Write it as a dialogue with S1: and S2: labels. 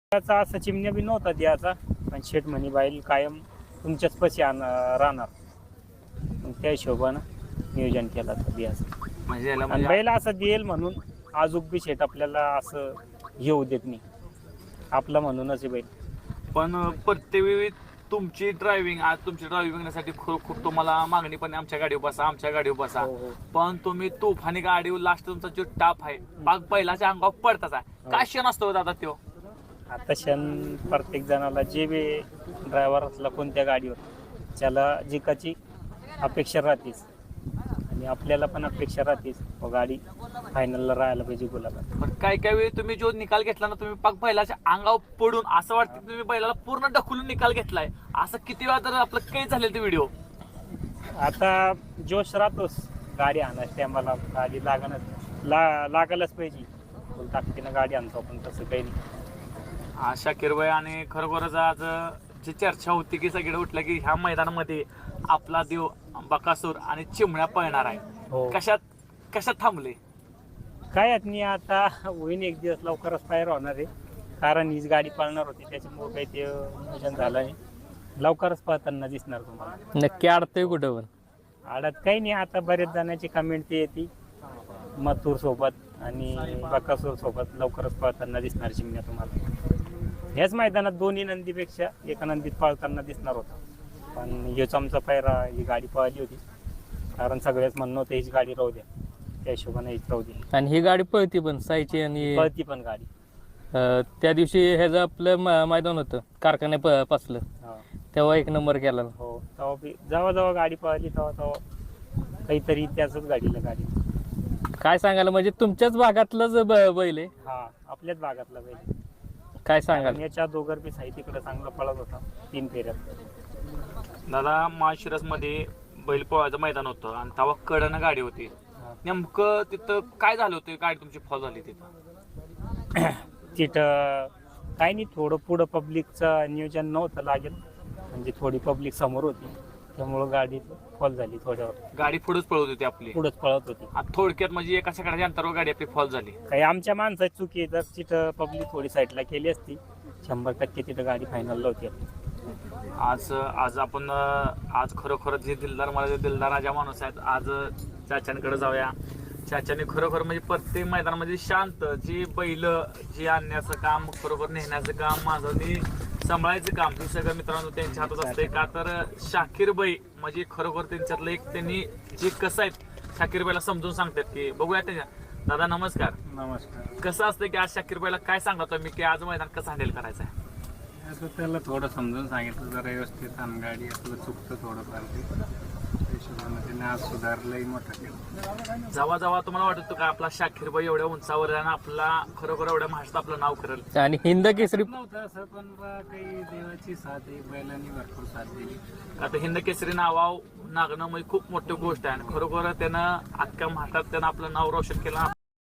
S1: त्याचा असा चिमण्या बी नव्हता द्यायचा, पण शेठ म्हणे बैल कायम तुमच्याच पशी राहणार. मग त्या हिशोबानं नियोजन केलं तर बियाचं.
S2: म्हणजे याला
S1: आणि
S2: म्हणजे
S1: बैल असं देईल म्हणून आजूक बी शेठ आपल्याला असं येऊ देत नाही. आपला म्हणूनच आहे बैल.
S2: पण प्रत्येक वेळी तुमची ड्रायव्हिंग आज तुमची ड्रायव्हिंग करण्यासाठी खूप तुम्हाला मागणी पण आहे, आमच्या गाडीवर बसा आमच्या गाडीवर बसा.
S1: हो, हो.
S2: पण तुम्ही तुफानी गाडीवर लास्ट तुमचा जो टाप आहे पाक बैलाच्या अंगावर पडताच आहे. काय क्षण असतो दादा त्यो?
S1: आता क्षण प्रत्येक जणाला जे बी ड्रायव्हर असला कोणत्या गाडीवर त्याला जिकाची अपेक्षा राहतेच आणि आपल्याला पण अपेक्षा राहतेच गाडी फायनलला राहायला पाहिजे गुलाबात.
S2: पण काय वेळी तुम्ही जो निकाल घेतला ना तुम्ही पाक बैलाच्या अंगावर पडून असं वाटतं की तुम्ही बैलाला पूर्ण ढकलून निकाल घेतलाय. असं किती वेळा तर आपलं काही झालेलं ते व्हिडिओ.
S1: आता जोश राहतोच गाडी आणायची टायमाला, गाडी लागायलाच पाहिजे. फुल ताकदीनं गाडी आणतो आपण, तसं काही नाही.
S2: शाकीर भाई आणि खरोखरच आज जी चर्चा होती की सगळीकडे उठलं की ह्या मैदानामध्ये आपला देव बकासूर आणि चिमण्या पळणार आहे.
S1: हो.
S2: कशात थांबले?
S1: काय नाही, आता होईन एक दिवस लवकरच फायर होणार आहे, कारण हीच गाडी पळणार होती त्याच्यामुळे काही ते नियोजन झालं नाही. लवकरच पळताना दिसणार तुम्हाला.
S3: नक्की अडतंय कुठं पण?
S1: आडत काही नाही. आता बरेच जणांची कमेंट ते येते मथुर सोबत आणि बकासूर सोबत लवकरच पळताना दिसणार चिमण्या तुम्हाला. ह्याच मैदानात दोन्ही नंदीपेक्षा एका नंदीत पळताना दिसणार होता, पण हेच आमचा पायरा ही गाडी पळाली होती, कारण सगळ्याच म्हणणं होतं हीच गाडी राहू द्या, त्या हिशोबाने हीच राहू द्या.
S3: आणि ही गाडी पळती पण साईची आणि
S1: पळती पण गाडी.
S3: त्या दिवशी ह्याचं आपलं मैदान होतं कारखान्यापासलं,
S1: हा.
S3: तेव्हा एक नंबर केला.
S1: हो, तेव्हा बी जेव्हा गाडी पळाली तेव्हा काहीतरी त्याच गाडीला गाडी.
S3: काय सांगायला म्हणजे तुमच्याच भागातलंच बैल आहे?
S1: हा, आपल्याच भागातला बैल.
S3: काय सांगाल?
S1: याच्या दोघर बी साई तिकडे चांगला पळत होता 3 फेऱ्यात.
S2: दादा माळशिरस मध्ये बैलपोळ्याचं मैदान होतं आणि तेव्हा कडनं गाडी होती. नेमकं तिथं काय झालं होतं? गाडी तुमची फॉल झाली तिथं?
S1: तिथं काही नाही, थोडं पुढं पब्लिकचं नियोजन नव्हतं लागेल, म्हणजे थोडी पब्लिक समोर होती त्यामुळं गाडी फॉल झाली. थोड्यावर
S2: गाडी पुढेच पळत होती आपली.
S1: पुढंच पळत होती.
S2: आता थोडक्यात म्हणजे एका सेकंडाच्या अंतरावर गाडी आपली फॉल झाली.
S1: काही आमच्या माणसाची चुकी आहे, जर तिथं पब्लिक थोडी साईडला केली असती 100% तिथं गाडी फायनलला होती आपली.
S2: आज आपण आज खरोखर जे दिलदार राजा माणूस आहेत, आज चाच्यांकडे जाऊया. चाच्याने खरोखर म्हणजे प्रत्येक मैदानामध्ये शांत जी बैल जी आणण्याचं काम, खरोखर नेण्याचं काम, माझं सांभाळायचं काम हे सगळं मित्रांनो त्यांच्या हातात असते. का तर शाकीर बाई म्हणजे खरोखर त्यांच्यातलं एक त्यांनी जे कसं आहेत शाकीर बाईला समजून सांगतात की बघूया त्याच्या. दादा नमस्कार.
S1: नमस्कार.
S2: कसं असतं की आज शाकीर बाईला काय सांगतो मी की आज मैदान कसं हँडल करायचं आहे?
S1: असं त्याला थोडं समजून सांगितलं जरा व्यवस्थित, आणि गाडी आपलं चुकतं थोडंफार ते हिशोबानं त्याने आज सुधारलंही मोठं केलं.
S2: जेव्हा तुम्हाला वाटत होतं का आपला शाकीर बाई एवढ्या उंचावर आहे आणि आपला खरोखर एवढ्या महाराष्ट्रात आपलं नाव करेल?
S3: आणि हिंद केसरी
S1: नव्हतं असं, पण काही देवाची साथ आहे, बैलांनी भरपूर साथ दिली.
S2: आता हिंद केसरी नावाव नागणं म्हणजे खूप मोठी गोष्ट आहे आणि खरोखर त्यानं अख्ख्या महाराष्ट्रात त्यानं आपलं नाव रोशन केलं.